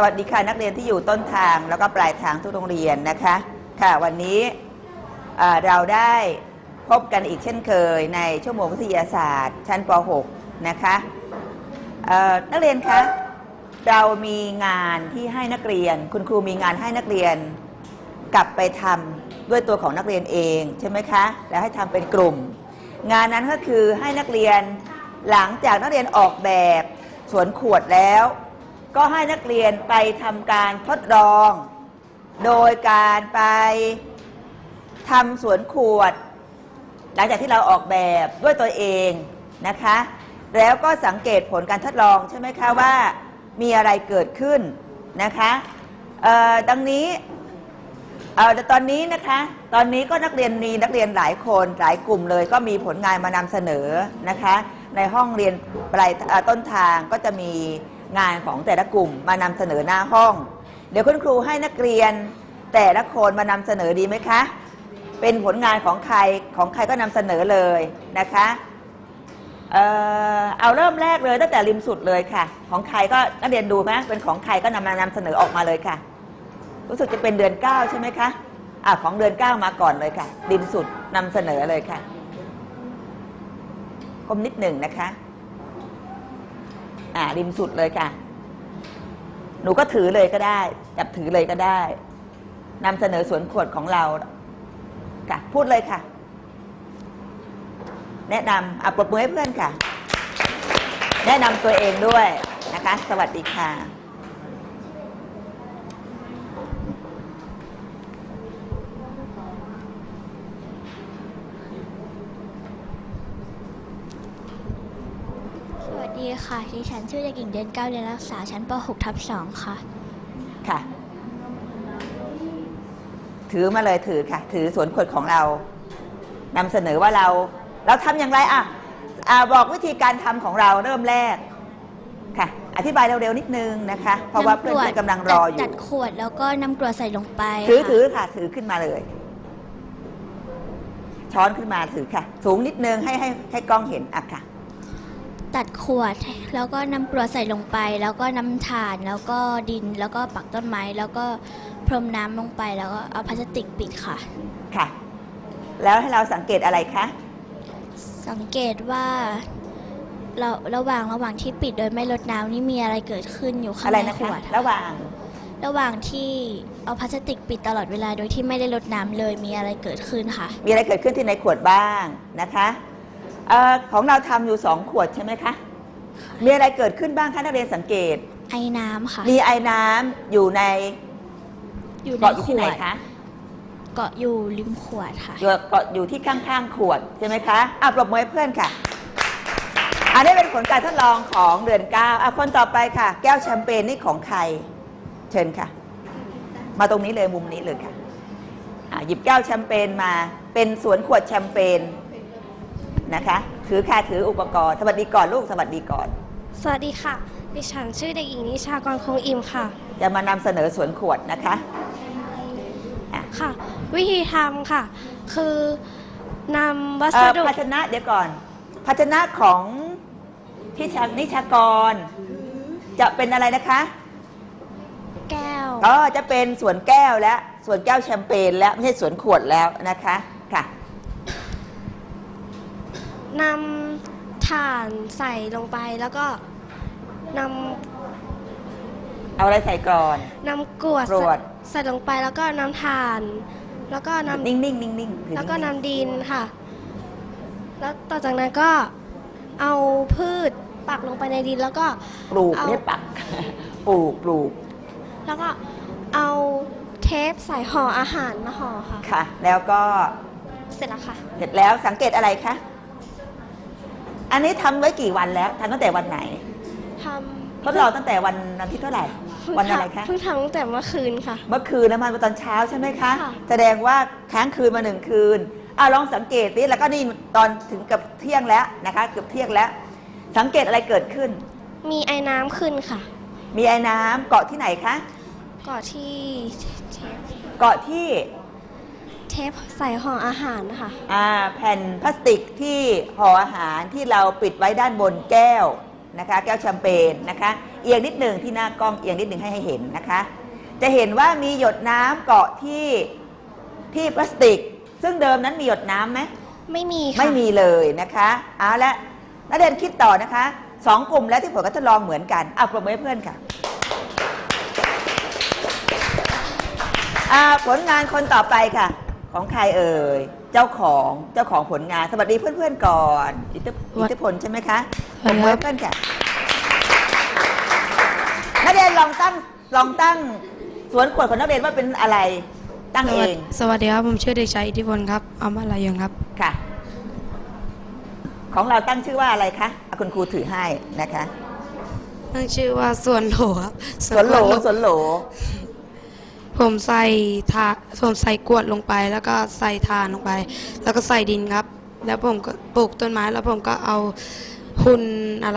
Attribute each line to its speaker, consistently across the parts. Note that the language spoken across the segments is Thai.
Speaker 1: วัสดีค่ะนักเรียนที่อยู่ต้นทางแล้วก็ปลายทางทุกโรงเรียนนะคะค่ะวันนี้เราได้พบกันอีกเช่นเคยในชั่วโมงวิทยาศาสตร์ชั้นป .6 นะคะนักเรียนคะเรามีงานที่ให้นักเรียนคุณครูมีงานให้นักเรียนกลับไปทำด้วยตัวของนักเรียนเองใช่ไหมคะแล้วให้ทำเป็นกลุ่มงานนั้นก็คือให้นักเรียนหลังจากนักเรียนออกแบบสวนขวดแล้วก็ให้นักเรียนไปทำการทดลองโดยการไปทำสวนขวดหลังจากที่เราออกแบบด้วยตัวเองนะคะแล้วก็สังเกตผลการทดลองใช่ไหมคะว่ามีอะไรเกิดขึ้นนะคะดังนี้ตอนนี้นะคะตอนนี้ก็นักเรียนหลายคนหลายกลุ่มเลยก็มีผลงานมานำเสนอนะคะในห้องเรียนปลายต้นทางก็จะมีงานของแต่ละกลุ่มมานำเสนอหน้าห้องเดี๋ยวคุณครูให้นักเรียนแต่ละคนมานำเสนอดีไหมคะเป็นผลงานของใครก็นำเสนอเลยนะคะเอาเริ่มแรกเลยตั้งแต่ริมสุดเลยค่ะของใครก็นักเรียนดูไหมเป็นของใครก็นำเสนอออกมาเลยค่ะรู้สึกจะเป็นเดือน9ใช่ไหมคะของเดือน9มาก่อนเลยค่ะริมสุดนำเสนอเลยค่ะคมนิดหนึ่งนะคะริมสุดเลยค่ะหนูก็ถือเลยก็ได้จับถือเลยก็ได้นำเสนอสวนขวดของเราค่ะพูดเลยค่ะแนะนำปรบมือให้เพื่อนค่ะแนะนำตัวเองด้วยนะคะสวัสดีค่ะ
Speaker 2: สวัสดีค่ะดิฉันชื่อเด็กหญิงเดือน9เรียนรักษาชั้นป .6/2 ค่ะ
Speaker 1: ค่ะถือมาเลยถือค่ะถือสวนขวดของเรานำเสนอว่าเราทำอย่างไรบอกวิธีการทำของเราเริ่มแรกค่ะอธิบายเร็วๆนิดนึงนะคะเพราะว่าเพื่อนๆกำลังรออยู่
Speaker 2: จัดขวดแล้วก็นำกรวดใส่ลงไป
Speaker 1: ถือค่ะถือขึ้นมาเลยช้อนขึ้นมาถือค่ะสูงนิดนึงให้กล้องเห็นค่ะ
Speaker 2: ตัดขวดแล้วก็นำกรวดใส่ลงไปแล้วก็น้ำถ่านแล้วก็ดินแล้วก็ปักต้นไม้แล้วก็พรมน้ำลงไปแล้วก็เอาพลาสติกปิดค่ะ
Speaker 1: ค่ะแล้วให้เราสังเกตอะไรคะ
Speaker 2: สังเกตว่าเราระหว่างที่ปิดโดยไม่ลดน้ำนี่มีอะไรเกิดขึ้นอยู่ข้างในขวด
Speaker 1: ระหว่าง
Speaker 2: ที่เอาพลาสติกปิดตลอดเวลาโดยที่ไม่ได้ลดน้ำเลยมีอะไรเกิดขึ้นค่ะ
Speaker 1: มีอะไรเกิดขึ้นที่ในขวดบ้างนะคะของเราทำอยู่2ขวดใช่ไหมคะมีอะไรเกิดขึ้นบ้างคะนักเรียนสังเกต
Speaker 2: ไอน้ำค่ะ
Speaker 1: มีไอน้ำอยู่ใน
Speaker 2: เกาะอยู่ที่ไหนคะเกาะอยู่ริมขวดค่ะ
Speaker 1: เกาะอยู่ที่ข้างๆขวดใช่ไหมคะปรบมือให้เพื่อนค่ะอันนี้เป็นผลการทดลองของเดือน9คนต่อไปค่ะแก้วแชมเปญนี่ของใครเชิญค่ะมาตรงนี้เลยมุมนี้เลยค่ะหยิบแก้วแชมเปญมาเป็นสวนขวดแชมเปญนะคะถืออุปกรณ์สวัสดีก่อนลูกสวัสดีก่อน
Speaker 3: สวัสดีค่ะดิฉันชื่อเด็กหญิงนิชากรคงอิ่มค่ะ
Speaker 1: จะมานำเสนอสวนขวดนะคะ
Speaker 3: ค่ะวิธีทำค่ะคือนำวัสดุ
Speaker 1: ภาชนะเดี๋ยวก่อนภาชนะของที่นิชากรจะเป็นอะไรนะคะ
Speaker 3: แก้ว
Speaker 1: จะเป็นส่วนแก้วและส่วนแก้วแชมเปญแล้วไม่ใช่สวนขวดแล้วนะคะค่ะ
Speaker 3: นำถ่านใส่ลงไปแล้วก็นำ
Speaker 1: เอาอะไรใส่ก่อน
Speaker 3: นำกรวดใส่ลงไปแล้วก็น้ำถ่านแล้วก็น้ำ
Speaker 1: นิ่ง
Speaker 3: แล้วก็น้ำดินค่ะแล้วต่อจากนั้นก็เอาพืชปักลงไปในดินแล้วก็
Speaker 1: ปลูกไม่ปักปลูก
Speaker 3: แล้วก็เอาเทปใส่ห่ออาหารมาห่อ
Speaker 1: ค่ะแล้วก็
Speaker 3: เสร็จแล้วค่ะ
Speaker 1: เสร็จแล้วสังเกตอะไรคะอันนี้ทำไว้กี่วันแล้วทำตั้งแต่วันไหนทดลองตั้งแต่วันที่เท่าไหร่วันอะไรคะ
Speaker 3: เพิ่งทำตั้งแต่เมื่อคืนค่ะ
Speaker 1: เมื่อคืนนะมันตอนเช้าใช่ไหมคะแสดงว่าค้างคืนมา1 คืนลองสังเกตดิแล้วก็นี่ตอนถึงกับเที่ยงแล้วนะคะเกือบเที่ยงแล้วสังเกตอะไรเกิดขึ้น
Speaker 3: มีไอ้น้ำขึ้นค่ะ
Speaker 1: มีไอ้น้ำเกาะที่ไหนคะ
Speaker 3: เกาะที่เทปใส่ห่ออาหารนะคะ
Speaker 1: แผ่นพลาสติกที่ห่ออาหารที่เราปิดไว้ด้านบนแก้วนะคะแก้วแชมเปญนะคะเอียงนิดหนึ่งที่หน้ากล้องเอียงนิดหนึ่งให้เห็นนะคะจะเห็นว่ามีหยดน้ำเกาะที่พลาสติกซึ่งเดิมนั้นมีหยดน้ำไหม
Speaker 3: ไม่มีค่ะ
Speaker 1: ไม่มีเลยนะคะเอาละนักเรียนคิดต่อนะคะ2 กลุ่มแล้วที่ผลการทดลองเหมือนกันเอาปรบมือให้เพื่อนค่ะผลงานคนต่อไปค่ะของใครเอ่ยเจ้าของผลงานสวัสดีเพื่อนๆก่อนอิทธิพลใช่ไหมคะปรบมือให้เพื่อนค่ะนักเรียนลองตั้งสวนขวดของนักเรียนว่าเป็นอะไรตั้งเอง
Speaker 4: สวัสดีครับ ผมชื่อเด็กชายอิทธิพลครับอามาลายงครับ
Speaker 1: ค่ะ ของเราตั้งชื่อว่าอะไรคะเอาคุณครูถือให้นะคะ
Speaker 4: ตั้งชื่อว่าสวนโหลครับ
Speaker 1: สวนโหล
Speaker 4: ผมใส่กรวดลงไป แล้วก็ใส่ถ่านลงไป แล้วก็ใส่ดินครับ แล้วผมก็ปลูกต้นไม้ แล้วผมก็เอาหุ่น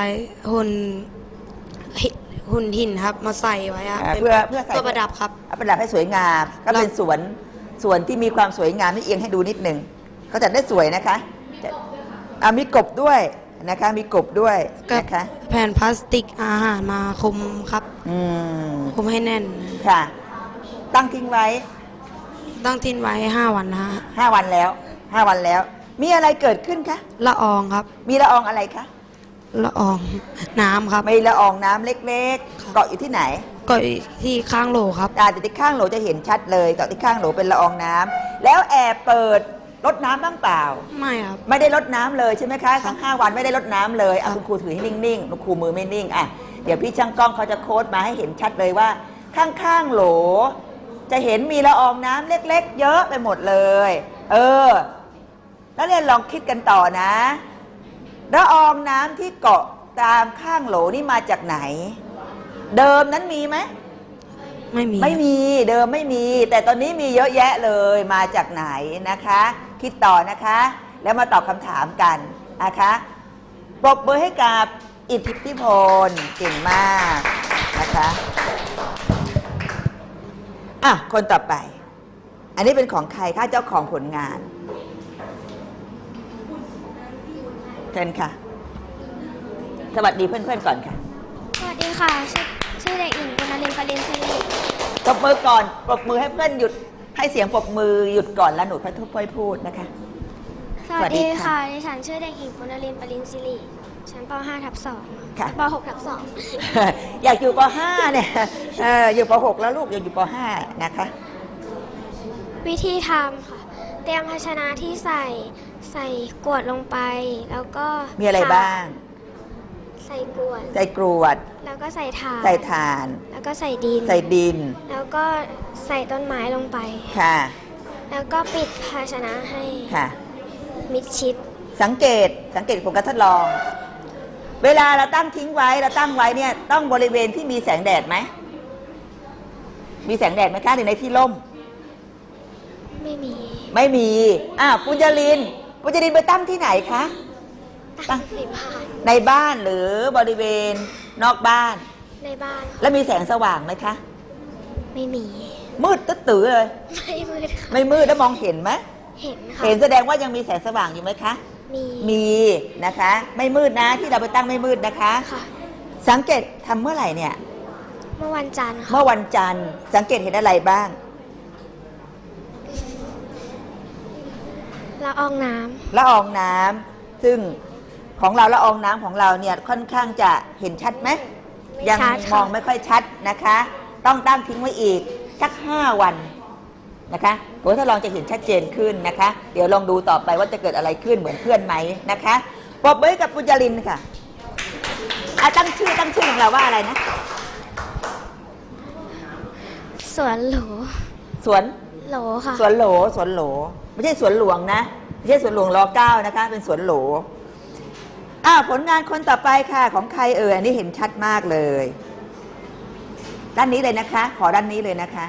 Speaker 4: หินครับมาใส่ไว้ครับ
Speaker 1: เพื่อใส่
Speaker 4: ตัวประดับครับ
Speaker 1: เอาประดับให้สวยงาม ก็เป็นสวนที่มีความสวยงามนี่เอียงให้ดูนิดหนึ่งก็จะได้สวยนะคะมีกบด้วยนะคะมีกบด้วย
Speaker 4: กับ
Speaker 1: นะคะ
Speaker 4: แผ่นพลาสติกอาหารมาคลุมครับ คลุมให้แน่น
Speaker 1: ค่ะ ตั้งทิ้งไว้
Speaker 4: ต้องทิ้งไว้ 5 วันนะฮะ
Speaker 1: 5 วันแล้วมีอะไรเกิดขึ้นคะ
Speaker 4: ละอองครับ
Speaker 1: มีละอองอะไรคะ
Speaker 4: ละอองน้ำครับ
Speaker 1: มีละอองน้ำเล็กๆเกาะอยู่ที่ไหน
Speaker 4: ก็ที่ข้างโหลครับ
Speaker 1: แต่ที่ข้างโหลจะเห็นชัดเลยเกาะที่ข้างโหลเป็นละอองน้ำแล้วแอบเปิดรดน้ำบ้างเปล่า
Speaker 4: ไม่ครับ
Speaker 1: ไม่ได้รดน้ำเลยใช่ไหมคะทั้ง5 วันไม่ได้รดน้ำเลย
Speaker 4: ครั
Speaker 1: อ่ะ
Speaker 4: บ
Speaker 1: คุณครูถือให้นิ่งๆคุณครูมือไม่นิ่งอ่ะเดี๋ยวพี่ช่างกล้องเขาจะโค้ดมาให้เห็นชัดเลยว่า ข้างๆโหล จะเห็นมีละอองน้ำเล็กๆ เยอะไปหมดเลยแล้วเรียนลองคิดกันต่อนะละอองน้ำที่เกาะตามข้างโหลนี่มาจากไหน เดิมนั้นมีไหม
Speaker 4: ไม่มี
Speaker 1: ไม่มีเดิมไม่มี แต่ตอนนี้มีเยอะแยะเลยมาจากไหนนะคะ คิดต่อนะคะ แล้วมาตอบคำถามกันนะคะปรบมือให้กับอิทธิพลเก่งมากนะคะคนต่อไป อันนี้เป็นของใครคะเจ้าของผลงานเชิญค่ะ สวัสดีเพื่อนๆก่อนค่ะ
Speaker 3: สวัสดีค่ะ ชื่อเด็กหญิงกุณลินปรินสิริ
Speaker 1: ปรบมือก่อนปรบมือให้เพื่อนหยุดให้เสียงปรบมือหยุดก่อนแล้วหนูค่อยพูดนะคะ
Speaker 3: สวัสดี
Speaker 1: สวัสดีค่ะ
Speaker 3: ค่ะดิฉันชื่อเด็กหญิงกุณลินปรินสิริชั้นป .5/2
Speaker 1: ค่ะ
Speaker 3: ป .6/2
Speaker 1: อยากอยู่ป .5 เนี่ยอยู่ป .6 แล้วลูกอยากอยู่ป .5 นะคะ
Speaker 3: วิธีทำค่ะ เตรียมภาชนะที่ใส่กรวดลงไป แล้วก็
Speaker 1: มีอะไรบ้าง
Speaker 3: ใส่กรวด
Speaker 1: ใส่กรวด
Speaker 3: แล้วก็ใส่ถ่าน
Speaker 1: ใส่ถ่าน
Speaker 3: แล้วก็ใส่ดิน
Speaker 1: ใส่ดิน
Speaker 3: แล้วก็ใส่ต้นไม้ลงไป
Speaker 1: ค่ะ
Speaker 3: แล้วก็ปิดภาชนะให้
Speaker 1: ค่ะ
Speaker 3: มิดชิด
Speaker 1: สังเกตผลการทดลอง เวลาเราตั้งทิ้งไว้เนี่ยต้องบริเวณที่มีแสงแดดไหมมีแสงแดดไหมคะหรือในที่ร่ม
Speaker 3: ไม่มี
Speaker 1: ไม่มีปุญญลินไปตั้งที่ไหนคะ
Speaker 3: ตั้งในบ้าน
Speaker 1: ในบ้านหรือบริเวณนอกบ้าน
Speaker 3: ในบ้านค่ะ
Speaker 1: แล้วมีแสงสว่างไหมคะ
Speaker 3: ไม่มี
Speaker 1: มืดตึ๊ดตื้อเลย
Speaker 3: ไม่มืดค่ะ
Speaker 1: ไม่มืดแล้วมองเห็นไหม
Speaker 3: เห็นค่ะ
Speaker 1: เห็นแสดงว่ายังมีแสงสว่างอยู่ไหมคะ
Speaker 3: มี
Speaker 1: มีนะคะ ไม่มืดนะที่เราไปตั้งไม่มืดนะคะ
Speaker 3: ค่ะ
Speaker 1: สังเกตทำเมื่อไหร่เนี่ย
Speaker 3: เมื่อวันจันทร์ค่ะ
Speaker 1: เมื่อวันจันทร์สังเกตเห็นอะไรบ้าง
Speaker 3: ละอองน้
Speaker 1: ละอองน้ำซึ่งของเราละอองน้ำของเราเนี่ยค่อนข้างจะเห็นชัดไหม
Speaker 3: ำไม่
Speaker 1: ยัง
Speaker 3: ชัด
Speaker 1: ม
Speaker 3: ค่ะ
Speaker 1: องไม่ค่อยชัดนะคะ ต้องตั้งทิ้งไว้อีกสัก5 วันนะคะผลทดลองจะเห็นชัดเจนขึ้นนะคะ เดี๋ยวลองดูต่อไปว่าจะเกิดอะไรขึ้นเหมือนเพื่อนไหมนะคะปรบมือให้กับปุญญลินค่ะตั้งชื่อของเราว่าอะไรนะ
Speaker 3: สวนโหล
Speaker 1: สวน
Speaker 3: โหลค่ะ
Speaker 1: สวนโหลไม่ใช่สวนหลวงนะไม่ใช่สวนหลวงร9นะคะเป็นสวนโหลผลงานคนต่อไปค่ะของใครอันนี้เห็นชัดมากเลย ด้านนี้เลยนะคะ ขอด้านนี้เลยนะคะ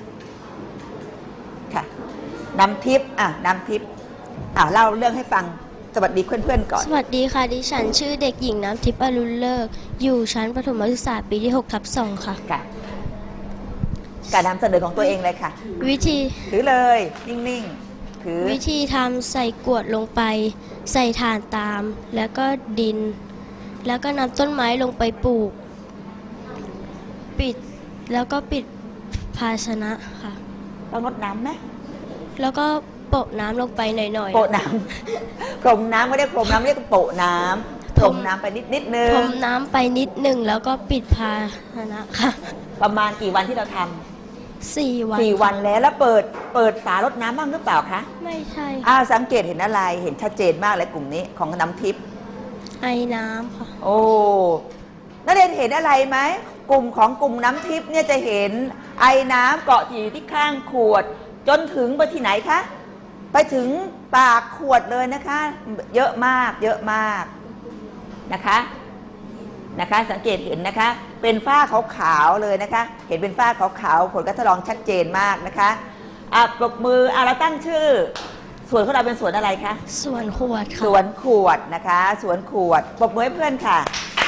Speaker 1: ค่ะนำทิพย์นำทิพย์เล่าเรื่องให้ฟังสวัสดีเพื่อนๆก่อน
Speaker 5: สวัสดีค่ะ ดิฉันชื่อเด็กหญิงน้ำทิพย์อรุณเลิก อยู่ชั้นประถมศึกษาปีที่ 6/2 ค่ะ
Speaker 1: ค่ะ การนำเสนอของตัวเองเลยค่ะ
Speaker 5: วิธี
Speaker 1: ถือเลยนิ่งๆถือ
Speaker 5: วิธีทำใส่กรวดลงไป ใส่ถ่านตาม แล้วก็ดินแล้วก็นำต้นไม้ลงไปปลูก ปิดแล้วก็ปิดภาชนะค่ะ
Speaker 1: ต้องรดน้ำไหม
Speaker 5: แล้วก็โปะน้ำลงไปหน่อย
Speaker 1: โปะน้ำ พรมน้ำไม่ได้พรมน้ำเรียกโปะน้ำพรมน้ำไปนิดนึง
Speaker 5: พรมน้ำไปนิดหนึ่งแล้วก็ปิดภาชนะค่ะ
Speaker 1: ประมาณกี่วันที่เราท
Speaker 5: 4 วัน
Speaker 1: ำ4 วันแล้วเปิดฝารดน้ำบ้างหรือเปล่าคะ
Speaker 5: ไม่ใช่
Speaker 1: สังเกตเห็นอะไรเห็นชัดเจนมากเลยกลุ่มนี้ของน้ำทิพย์
Speaker 5: ไอน้ำค่ะ
Speaker 1: โอ้นักเรียนเห็นอะไรไหมกลุ่มของกลุ่มน้ำทิพย์เนี่ยจะเห็นไอน้ำเกาะอยู่ที่ข้างขวด จนถึงไปที่ไหนคะไปถึงปากขวดเลยนะคะ เยอะมากเยอะมากนะคะสังเกตเห็นนะคะเป็นฝ้าขาวๆเลยนะคะ เห็นเป็นฝ้าขาวๆผลการทดลองชัดเจนมากนะคะปรบมือเราตั้งชื่อสวนของเราเป็นสวนอะไรคะ
Speaker 5: ส่วนขวด
Speaker 1: ส
Speaker 5: ค่ะ
Speaker 1: วนขวดนะคะสวนขวดปรบมือให้เพื่อนค่ะ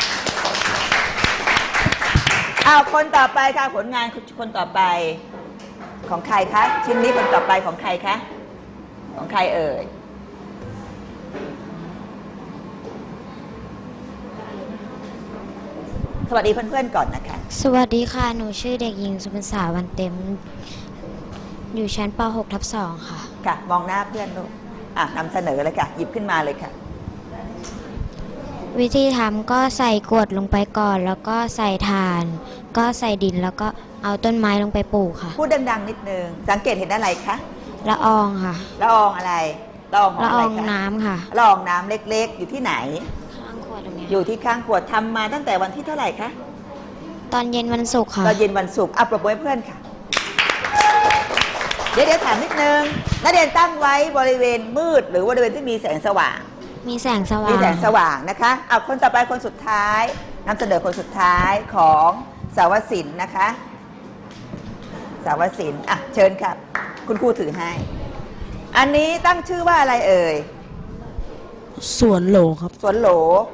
Speaker 1: คนต่อไปค่ะผลงานคนต่อไปของใครคะชิ้นนี้คนต่อไปของใครคะของใครเอ่ยสวัสดีเพื่อนๆก่อนนะคะ
Speaker 6: สวัสดีค่ะ หนูชื่อเด็กหญิงสุพรรษาวันเต็ม อยู่ชั้นป .6 ทับ 2 ค่ะ
Speaker 1: ค่ะมองหน้าเพื่อนลูกนำเสนอเลยค่ะหยิบขึ้นมาเลยค่ะ
Speaker 6: วิธีทำก็ใส่กรวดลงไปก่อน แล้วก็ใส่ถ่าน ก็ใส่ดินแล้วก็เอาต้นไม้ลงไปปลูกค่ะ
Speaker 1: พูดดังๆนิดนึงสังเกตเห็นอะไรคะ
Speaker 6: ละอองค่ะ
Speaker 1: ละอองอะไรละอองของ
Speaker 6: ละ
Speaker 1: อะ
Speaker 6: อ
Speaker 1: ไร
Speaker 6: อง
Speaker 1: คะ
Speaker 6: น้ำค่ะ
Speaker 1: ละอองน้ำเล็กๆ อยู่ที่ไหน
Speaker 6: ข้างขวดตรงนี้
Speaker 1: อยู่ที่ข้างขวดทำมาตั้งแต่วันที่เท่าไหร่คะ
Speaker 6: ตอนเย็นวันศุกร์ค่ะ
Speaker 1: ตอนเย็นวันศุกร์ปรบมือให้เพื่อนค่ะ เดี๋ยวถามนิดนึงนักเรียนตั้งไว้บริเวณมืดหรือบริเวณที่มีแสงสว่าง
Speaker 6: มีแสงสว่าง
Speaker 1: มีแสงสว่างนะคะคนต่อไปคนสุดท้ายนำเสนอคนสุดท้ายของสาวศิลป์นะคะสาวศิลป์เชิญครับคุณครูถือให้ อันนี้ตั้งชื่อว่าอะไรเอ่ย
Speaker 7: สวนโหลครับ
Speaker 1: สวนโหล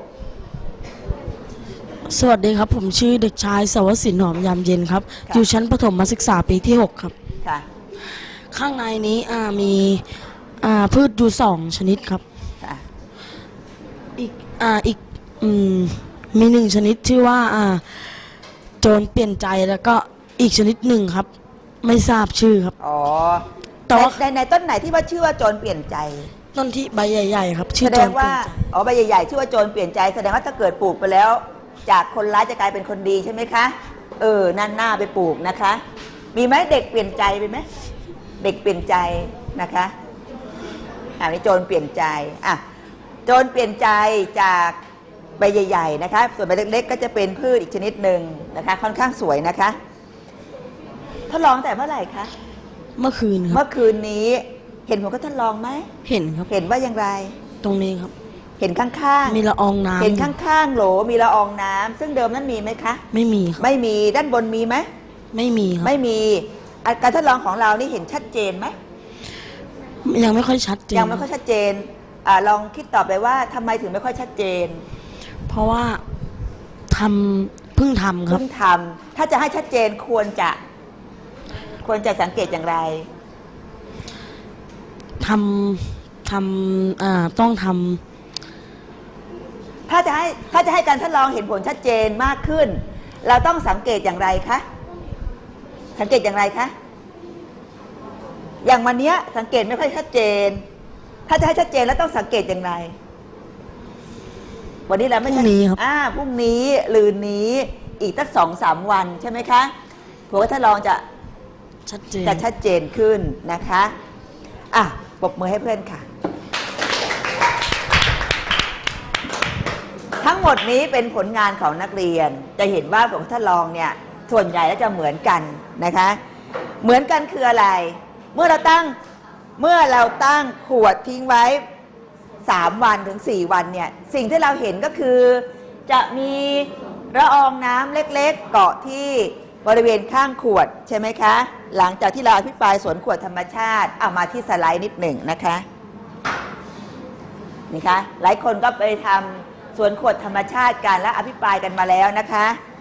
Speaker 7: สวัสดีครับ ผมชื่อเด็กชายสวสินหอมยามเย็นครับ
Speaker 1: ค่ะ
Speaker 7: อยู่ชั้นประถมศึกษาปีที่ 6 ครับ
Speaker 1: ค่ะ
Speaker 7: ข้างในนี้มีพืชอยู่2 ชนิดครับ
Speaker 1: ค่ะ
Speaker 7: อีกมี1 ชนิดชื่อว่าโจรเปลี่ยนใจแล้วก็อีกชนิดหนึ่งครับ ไม่ทราบชื่อครับ
Speaker 1: อ๋อ
Speaker 7: แต่ว่า
Speaker 1: ในต้นไหนที่ว่าชื่อว่าโจรเปลี่ยนใจ
Speaker 7: ต้นที่ใบใหญ่ๆครับ ชื่
Speaker 1: แส
Speaker 7: อโจ
Speaker 1: ด
Speaker 7: รง เปลี่
Speaker 1: ว่าย
Speaker 7: นใจ
Speaker 1: ใบใหญ่ๆชื่อว่าโจรเปลี่ยนใจแสดงว่าถ้าเกิดปลูกไปแล้ว จากคนร้ายจะกลายเป็นคนดีใช่ไหมคะนั่นหน้าไปปลูกนะคะ มีไหมเด็กเปลี่ยนใจไปไหมเด็กเปลี่ยนใจนะคะนี่โจรเปลี่ยนใจโจรเปลี่ยนใจจากใบใหญ่ๆนะคะส่วนใบเล็กๆก็จะเป็นพืชอีกชนิดหนึ่งนะคะค่อนข้างสวยนะคะทดลองแต่เมื่อไหร่คะ
Speaker 7: เมื่อคืนค
Speaker 1: เมื่
Speaker 7: รับ
Speaker 1: อคืนนี้เห็นผลก็ทดลองไหม
Speaker 7: เห็นครับ
Speaker 1: เห็นว่าอย่างไร
Speaker 7: ตรงนี้ครับ
Speaker 1: เห็นข้างๆ
Speaker 7: มีละอองน้ำ
Speaker 1: เห็นข้างๆโหลมีละอองน้ำซึ่งเดิมนั้นมีไหมคะ
Speaker 7: ไม่มีครับ
Speaker 1: ไม่มีด้านบนมีไหม
Speaker 7: ไม่มีครับ
Speaker 1: ไม่มีการทดลองของเรานี่เห็นชัดเจนไหม
Speaker 7: ยังไม่ค่อยชัดเจน
Speaker 1: ยังไม่ค่อยชัดเจนลองคิดต่อไปว่าทำไมถึงไม่ค่อยชัดเจน
Speaker 7: เพราะว่าเพิ่งทำครับ
Speaker 1: เพิ่งทำถ้าจะให้ชัดเจนควรจะสังเกตอย่างไร
Speaker 7: ต้องท
Speaker 1: ถ้าจะให้การทดลองเห็นผลชัดเจนมากขึ้น เราต้องสังเกตอย่างไรคะสังเกตอย่างไรคะอย่างวันเนี้ยสังเกตไม่ค่อยชัดเจน ถ้าจะให้ชัดเจนแล้วต้องสังเกตอย่างไร วันนี้เรา
Speaker 7: ำพ
Speaker 1: ไม่
Speaker 7: รุ่งนี้ครับ
Speaker 1: พรุ่งนี้ลืนนี้อีกตั้ง2-3 วันใช่ไหมคะผลการทดลองจะ
Speaker 7: ชัดเจน
Speaker 1: ชัดเจนขึ้นนะคะปรบมือให้เพื่อนค่ะ ทั้งหมดนี้เป็นผลงานของนักเรียนจะเห็นว่าผลทดลองเนี่ยส่วนใหญ่แล้วจะเหมือนกันนะคะเหมือนกันคืออะไรเมื่อเราตั้งขวดทิ้งไว้3 วันถึง4 วันเนี่ยสิ่งที่เราเห็นก็คือจะมีละอองน้ำเล็กๆเกาะที่บริเวณข้างขวดใช่ไหมคะหลังจากที่เราอภิปรายสวนขวดธรรมชาติเอามาที่สไลด์นิดหนึ่งนะคะนี่คะหลายคนก็ไปทำสวนขวดธรรมชาติกันและอภิปรายกันมาแล้วนะคะ